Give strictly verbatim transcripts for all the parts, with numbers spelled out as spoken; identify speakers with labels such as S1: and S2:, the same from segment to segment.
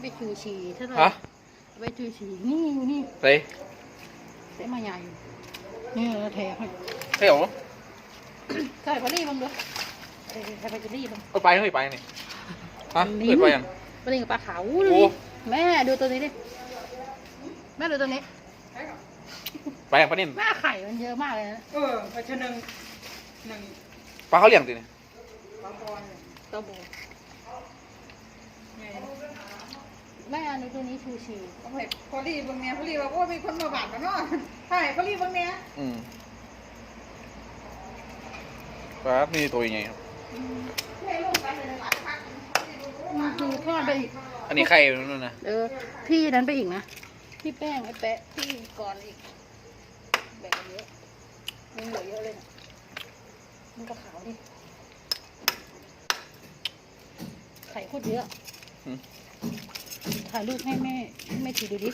S1: ไปชูชีเท่าไหร่
S2: ฮะ
S1: ไปชูชีนี่อยู่นี่
S2: เฮ้ย
S1: เสียมาใหญ่อยู่นี่เราแถมให้
S2: เฮ้ยเหรอ
S1: ใส่พอดีบ้างด้วยใส่ใส่ไปจะรีบ้าง
S2: เอาไปเฮ้ยไปนี่ฮะ
S1: ลิ้
S2: เกิ
S1: น
S2: ดไปยัง
S1: ปลาเล่นกับปลาขาวดู
S2: โอ้
S1: ดิแม่ดูตัวนี้ดิแม่ดูตัวนี้
S2: ไปยังปลานิ่น
S1: แม่ไข่มันเยอะมากเลยนะ
S3: เออไปชนึงหนึ่ง
S2: ปลาเขาเลี้ยงติเนี่ย
S3: ปลาบอล
S1: ตัวโบ
S3: ไง
S1: แม่ดูตัวนี้ชูชี
S3: เอาไปพอรีบางเนี้ยพอรีว่าโอ้มีคนมาบาดกันเนาะใช่พอรีบางเนี้ย
S2: อืมปลานี่ตัวยังไงครับ
S3: ให้ลงไปเลยหลายพัก
S1: มันคือทอดไปอีก
S2: อันนี้ไข่นู่นนะ
S1: เออพี่นั้นไปอีกนะพี่แป้งไอ้แปะพี่ก่อนอีกแบ่งกันเยอะมันเหลือเยอะเลยนะมันก็ขาวดิไข่โคตรเยอะถ่ายรูปให้แม่ให้แม่ทีดูดิ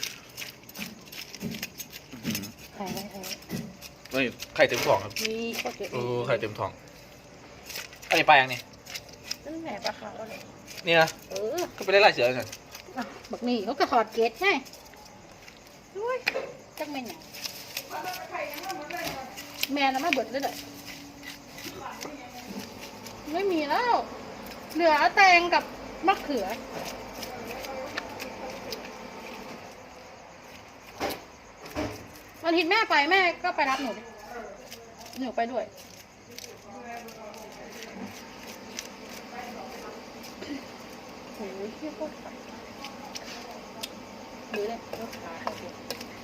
S1: ถ่ายไว้ถ่ายไว้
S2: เฮ้ยไข่เต็มท้องครับ
S1: มีโคตรเยอะ
S2: เออไข่เต็มท้องอันนี้ปลายังนี่
S1: นั่นแหละปลาขาวอะไร
S2: นี่นะ
S1: เออ
S2: ก็ไปได้ลายเสือกัน
S1: อ่ะบักนี่เขาก็ถอดเกตใช่ด้วยจังแม่นหยังแม่น่ะมาเบิดเลยเด้อไม่มีแล้ว เหลือแตงกับมะเขือวันอาทิตย์แม่ไปแม่ก็ไปรับหนูดิหนูไปด้วยโอ้ยเที่ยวโคตรไฟหรือเนี่ยรถขาเขาเดียว